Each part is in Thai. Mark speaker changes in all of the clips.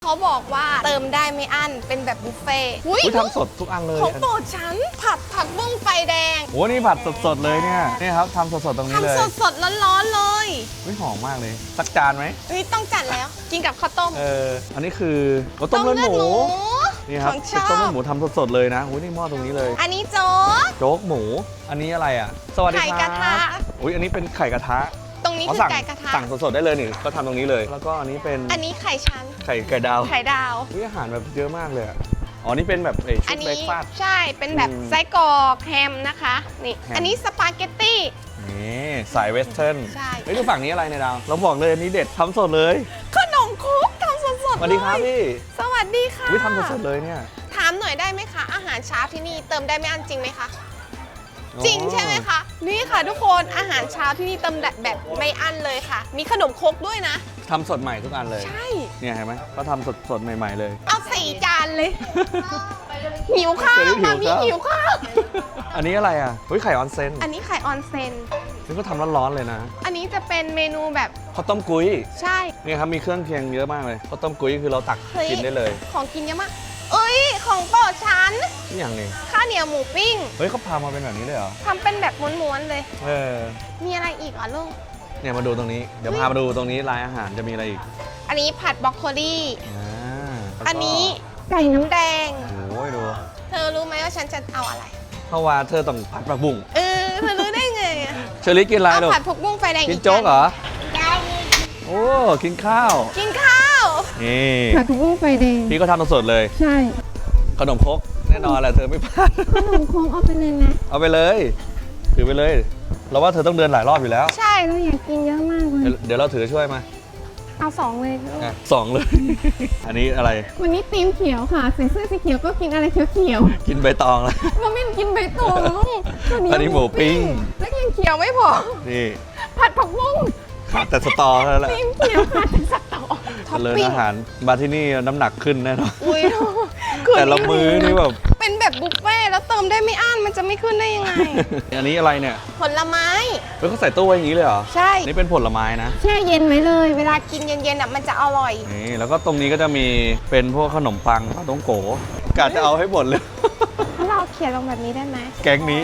Speaker 1: เขาบอกว่าเติมได้ไม่อั้นเป็นแบบบุฟเฟ่ต์
Speaker 2: ทำสดทุกอันเลย
Speaker 1: ของโปรดฉันผัดผักบุ้งไฟแดง
Speaker 2: โอ้นี่ผัดสดๆเลยเนี่ยนี่ครับทำสดๆตรงนี้เลย
Speaker 1: ทำสดๆร้อนๆเลย
Speaker 2: หอมมากเลยสักจานไหม
Speaker 1: ต้องจัดแล้วกินกับข้าวต้ม
Speaker 2: อันนี้คือต้มเลือดหมูนี่ครับต้มเลือดหมูทำสดๆเลยนะนี่หม้อตรงนี้เลย
Speaker 1: อันนี้
Speaker 2: โจ๊กหมูอันนี้อะไรอ่ะสวัสดีครับ
Speaker 1: ไข่กระทะ
Speaker 2: อันนี้เป็นไข่กระทะ
Speaker 1: ตรงนี้คือไก่กระทะ
Speaker 2: สั่งสดๆได้เลยนี่ก็ทำตรงนี้เลยแล้วก็อันนี้เป็น
Speaker 1: อันนี้ไข่ชั้น
Speaker 2: ไข่ดาวอาหารแบบเยอะมากเลยนี่เป็นแบบชุดเบรกฟาสต์
Speaker 1: ใช่เป็นแบบไส้กรอกแฮมนะคะนี่อันนี้สปาเกตตี้
Speaker 2: นี่สายเวสเทิร์น
Speaker 1: ใช่
Speaker 2: ดูฝั่งนี้อะไรเนี่ยดาวเราบอกเลยอันนี้เด็ดทำสดเลย
Speaker 1: ขนมครกทำสดๆ
Speaker 2: สวัสดีครับพี่
Speaker 1: สวัสดีค่ะ
Speaker 2: ทำสดๆเลยเนี่ย
Speaker 1: ถามหน่อยได้ไหมคะอาหารเช้าที่นี่เติมได้ไม่อั้นจริงไหมคะจริงใช่ไหมคะนี่ค่ะทุกคนอาหารเช้าที่นี่เติมแบบไม่อั้นเลยค่ะมีขนมครกด้วยนะ
Speaker 2: ทำสดใหม่ทุกอันเลย
Speaker 1: ใช่
Speaker 2: เนี่ยเห็นไหมเขาทำสดใหม่ๆเลย
Speaker 1: เอา4 จานเลยหิวข้าวมามีหิวข้าว
Speaker 2: อันนี้อะไรอ่ะไข่ออนเซน
Speaker 1: อันนี้ไข่ออนเซน
Speaker 2: นี่ก็ทำร้อนๆเลยนะ
Speaker 1: อันนี้จะเป็นเมนูแบบ
Speaker 2: ข้าวต้มกุ้ย
Speaker 1: ใช่
Speaker 2: เนี่ยครับมีเครื่องเคียงเยอะมากเลยข้าวต้มกุ้ยคือเราตักกินได้เลย
Speaker 1: ของกินเยอะมากของโปรดฉัน
Speaker 2: นี่อย่างนี้
Speaker 1: ข้าวเหนียวหมูปิ้ง
Speaker 2: เขาพามาเป็นแบบนี้เลยเหรอ
Speaker 1: ทำเป็นแบบม้วนๆเลยมีอะไรอีกอ่ะลูก
Speaker 2: เนี่ยมาดูตรงนี้เดี๋ยวพามาดูตรงนี้ร้านอาหารจะมีอะไรอีก
Speaker 1: อันนี้ผัดบรอกโคลีอันนี้
Speaker 2: ไก่
Speaker 1: น้ำแดง
Speaker 2: โอ้ยดู
Speaker 1: เธอรู้ไหมว่าฉันจะเอาอะไร
Speaker 2: เพราะว่าเธอต้องผัดผักบุ้ง
Speaker 1: เธอรู้ได้ไง
Speaker 2: เชอรี่กินอะไรลูก
Speaker 1: ผัดผักบุ้งไฟแดง
Speaker 2: กินโจ๊กเหรอโอ้กินข้าวนี่
Speaker 3: ผัดผักบุ้งไฟแดง
Speaker 2: พี่ก็ทำสดเลย
Speaker 3: ใช่
Speaker 2: ขนมครกแน่นอนแหละเธอไม่พลาด
Speaker 3: ขนมครกเอาไปเลยนะ
Speaker 2: เอาไปเลยถือไปเลยเราว่าเธอต้องเดินหลายรอบอยู่แล้ว
Speaker 3: ใช่เราอยากกินเยอะมากเลย
Speaker 2: เดี๋ยวเราถือช่วยมา
Speaker 3: เอา2เลย
Speaker 2: 2เลยอันนี้อะไร
Speaker 3: วันนี้ธีมเขียวค่ะใส่เสื้อสีเขียวก็กินอะไรเขียว
Speaker 2: กินใบตองแล้ว
Speaker 3: มันไม่กินใบตอง
Speaker 2: อันนี้หมูปิ้ง
Speaker 3: แล้วกินเขียวไม่พอ
Speaker 2: นี่
Speaker 3: ผัดผักบุ้ง
Speaker 2: ขาดแต่สตอเท่านั้นแหละ
Speaker 3: ธีมเขียวขาดแต่สตอ
Speaker 2: เลยอาหารมาที่นี่น้ำหนักขึ้นแน่นอน
Speaker 1: แต่
Speaker 2: ละมื้อนี่แบบ
Speaker 1: เป็นแบบบุฟเฟ่แล้วเติมได้ไม่อั้นมันจะไม่ขึ้นได้ยังไง
Speaker 2: อันนี้อะไรเนี่ย
Speaker 1: ผลไม้
Speaker 2: เขาใส่ตู้ไว้อย่างนี้เลยเหรอ
Speaker 1: ใช่
Speaker 2: นี่เป็นผลไม้นะ
Speaker 3: แช่เย็นไว้เลย
Speaker 1: เวลากินเย็นๆมันจะอร่อย
Speaker 2: นี่แล้วก็ตรงนี้ก็จะมีเป็นพวกขนมปังปลาต้องโกกะจะเอาให้หมดเลย
Speaker 1: เราเขียนลงแบบนี้ได้ไหม
Speaker 2: แก๊งนี้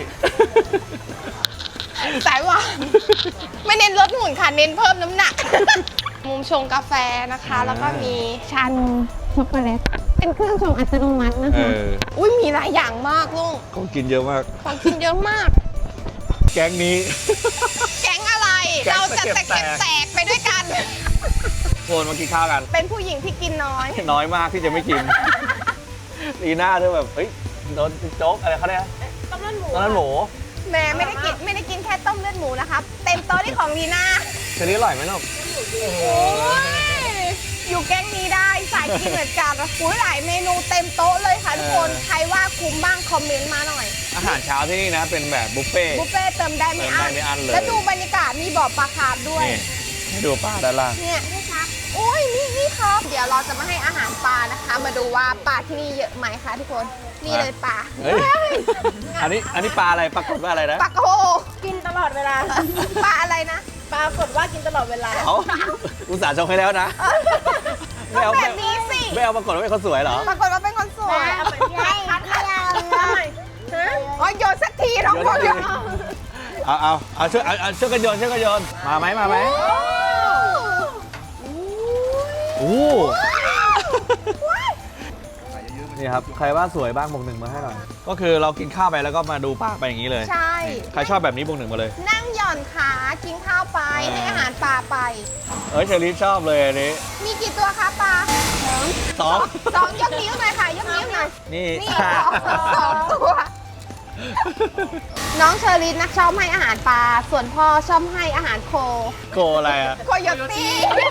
Speaker 1: สายหวานไม่เน้นลดหุ่นค่ะเน้นเพิ่มน้ำหนักมุมชงกาแฟนะคะแล้วก็มี
Speaker 3: ชานมช็อกโกแลตเป็นเครื่องชงอัตโนมัตินะคะ
Speaker 1: มีหลายอย่างมากลุง
Speaker 2: ของกินเยอะมากแก๊งนี้
Speaker 1: แก๊งอะไรเราจะแตกไปด้วยกัน
Speaker 2: โคนมากินข้าวกัน
Speaker 1: เป็นผู้หญิงที่กิน
Speaker 2: น้อยมากที่จะไม่กินลีน่าเธอแบบโดนโจ๊กอะไรเขาเนี่ย
Speaker 1: ต้มเลือดหมูแม่ไม่ได้กินแค่ต้มเลือดหมูนะครับเต็มโต๊ะที่ของลีน่า
Speaker 2: เชอรี่อร่อยไหมลูก
Speaker 1: อยู่แก๊งนี้ได้สายกินเหมือนกันหลายเมนูเต็มโต๊ะเลยค่ะทุกคนใครว่าคุ้มบ้างคอมเมนต์มาหน่อย
Speaker 2: อาหารเช้าที่นี่นะเป็นแบบบุฟเฟ่
Speaker 1: เติมได้ไม่อั้นเลยแล้วดูบรรยากาศมีบ่อปลาคาร์ฟด้วย
Speaker 2: ให้ดูปลาด้านล่าง
Speaker 1: เนี่ยนี่ครับเดี๋ยวเราจะมาให้อาหารปลานะคะมาดูว่าปลาที่นี่เยอะไหมคะทุกคนนี่เลยปลา
Speaker 2: อันนี้ปลาอะไรปรากฏว่าอะไรนะ
Speaker 1: ปลาโกกินตลอดเวลาปลาอะไรนะปรากฏว่ากินตลอดเวลา
Speaker 2: อุตส่าห์ชงให้แล้วนะ
Speaker 1: ไม่เอาแบบนี้สิ
Speaker 2: ไม่เอาปรากฏว่าเป็นคนสวยเหรอ
Speaker 1: ปรากฏว่าเป็นคนสวยคัดเลยโยนสักทีน้องคน
Speaker 2: เอาช่วยกันโยนมาไหมโอ้นี่ครับใครว่าสวยบ้างบวก 1มาให้หน่อยก็คือเรากินข้าวไปแล้วก็มาดูปลาไปอย่างนี้เลย
Speaker 1: ใช่
Speaker 2: ใครชอบแบบนี้บวก 1มาเลย
Speaker 1: นั่งหย่อนขากินข้าวไปให้อาหารปลาไป
Speaker 2: เชอรี่ชอบเลยอันนี้
Speaker 1: มีกี่ตัวคะปลา
Speaker 2: สอง
Speaker 1: ยกนิ้วหน่อยค่ะยกนิ้วหน่อย
Speaker 2: นี่
Speaker 1: 2 ตัวน้องเชอรี่นักชอบให้อาหารปลาส่วนพ่อชอบให้อาหารโค
Speaker 2: อะไรอะ
Speaker 1: โคโยตี้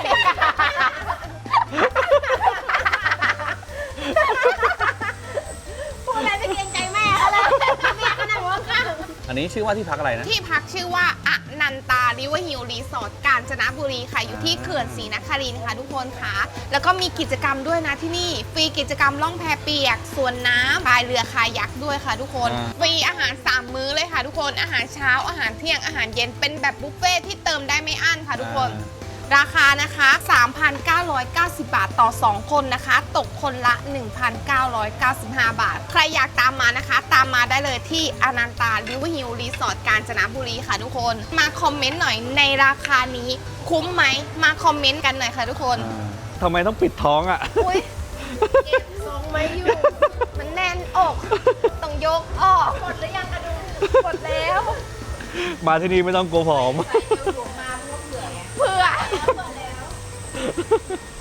Speaker 1: พูดอะไรไม่เกรงใจแม่เขาเลยแม่ก็นั่งหัวข้าง
Speaker 2: อันนี้ชื่อว่าที่พักอะไรนะ
Speaker 1: ที่พักชื่อว่าอนันตาริเวอร์ฮิลรีสอร์ทกาญจนบุรีค่ะอยู่ที่เขื่อนศรีนครินทร์ค่ะทุกคนค่ะแล้วก็มีกิจกรรมด้วยนะที่นี่ฟรีกิจกรรมล่องแพเปียกสวนน้ำพายเรือคายักด้วยค่ะทุกคนฟรีอาหาร3 มื้อเลยค่ะทุกคนอาหารเช้าอาหารเที่ยงอาหารเย็นเป็นแบบบุฟเฟ่ที่เติมได้ไม่อั้นค่ะทุกคนราคานะคะ 3,990 บาทต่อ 2 คนนะคะ ตกคนละ 1,995 บาท ใครอยากตามมานะคะ ตามมาได้เลยที่อนันตาริเวอร์ฮิลรีสอร์ทกาญจนบุรีค่ะทุกคน มาคอมเมนต์หน่อยในราคานี้คุ้มไหม มาคอมเมนต์กันหน่อยค่ะทุกคน
Speaker 2: ทำไมต้องปิดท้องอ่ะ
Speaker 1: อุ้ยเก็บทรงไม่อยู่ มันแน่นอก ต้องยกออกกดหรือยังกระดูกดแล้ว
Speaker 2: มาที่นี่ไม่ต้องกลัวผอม
Speaker 1: เพื่อ